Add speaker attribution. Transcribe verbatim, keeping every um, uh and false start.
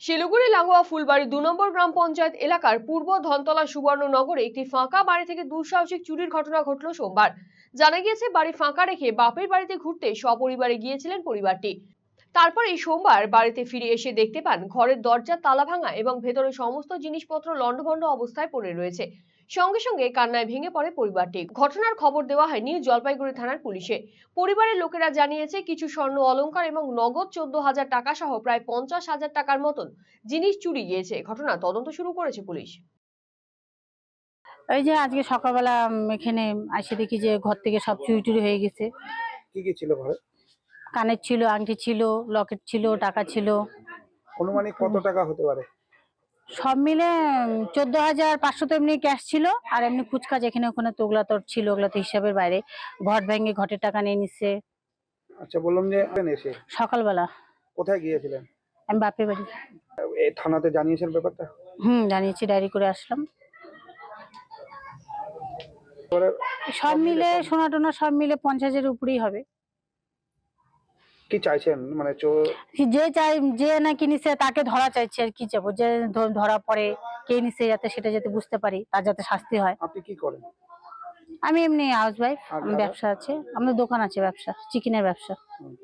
Speaker 1: শিলিগুড়ি লাগোয়া ফুলবাড়ি দু নম্বর গ্রাম পঞ্চায়েত এলাকার পূর্ব ধনতলা সুবর্ণনগরে একটি ফাঁকা বাড়ি থেকে দুঃসাহসিক চুরির ঘটনা ঘটল সোমবার। জানা গিয়েছে, বাড়ি ফাঁকা রেখে বাপের বাড়িতে ঘুরতে সপরিবারে গিয়েছিলেন পরিবারটি। তারপর এই সোমবার বাড়িতে ফিরে এসে দেখতে পান ঘরের দরজার তালা ভাঙা এবং ভেতরে সমস্ত জিনিসপত্র লণ্ডভণ্ড অবস্থায় পড়ে রয়েছে। সঙ্গে সঙ্গে কান্নায় ভেঙে পড়ে পরিবারটি। ঘটনার খবর দেওয়া হয় নিউ জলপাইগুড়ি থানার পুলিশে। পরিবারের লোকেরা জানিয়েছে, কিছু স্বর্ণ অলংকার এবং নগদ চোদ্দ হাজার টাকা সহ প্রায় পঞ্চাশ হাজার টাকার মতন জিনিস চুরি গিয়েছে। ঘটনা তদন্ত শুরু করেছে পুলিশ।
Speaker 2: এই যে আজকে সকালবেলা এখানে এসে দেখি যে ঘর থেকে সব চুরি টুরি হয়ে গেছে।
Speaker 3: কি কি ছিল ঘরে?
Speaker 2: কানের ছিল, আংটি ছিল, লকেট ছিল, টাকা ছিল।
Speaker 3: অনুমানিক কত টাকা হতে পারে?
Speaker 2: সব মিলে চোদ্দ হাজার পাঁচশো তো এমনি ক্যাশ ছিল, আর এমনি ফুচকা যেখানে ওখানে তো ওগুলা তো ছিল, ওগুলা তো হিসাবের বাইরে। ঘর ভেঙে ঘটের টাকা নিয়ে নিচ্ছে।
Speaker 3: আচ্ছা, বললাম যে এসে
Speaker 2: সকালবেলা
Speaker 3: কোথায় গিয়েছিলেন?
Speaker 2: আমি বাপের বাড়ি।
Speaker 3: এই থানাতে জানিয়েছেন ব্যাপারটা?
Speaker 2: হুম, জানিয়েছি, ডায়েরি করে আসলাম। সব মিলে সোনা টোনা সব মিলে পঞ্চাশের উপরেই হবে।
Speaker 3: কি চাইছেন মানে
Speaker 2: যে চাই যে নাকি নিছে তাকে ধরা চাইছে, আর কি চাবো, যে ধরা পড়ে কে নিছে যাতে সেটা যাতে বুঝতে পারি, তার যাতে শাস্তি হয়।
Speaker 3: আপনি কি করেন?
Speaker 2: আমি এমনি হাউস ওয়াইফ, ব্যবসা আছে, আমাদের দোকান আছে, ব্যবসা চিকেনের ব্যবসা।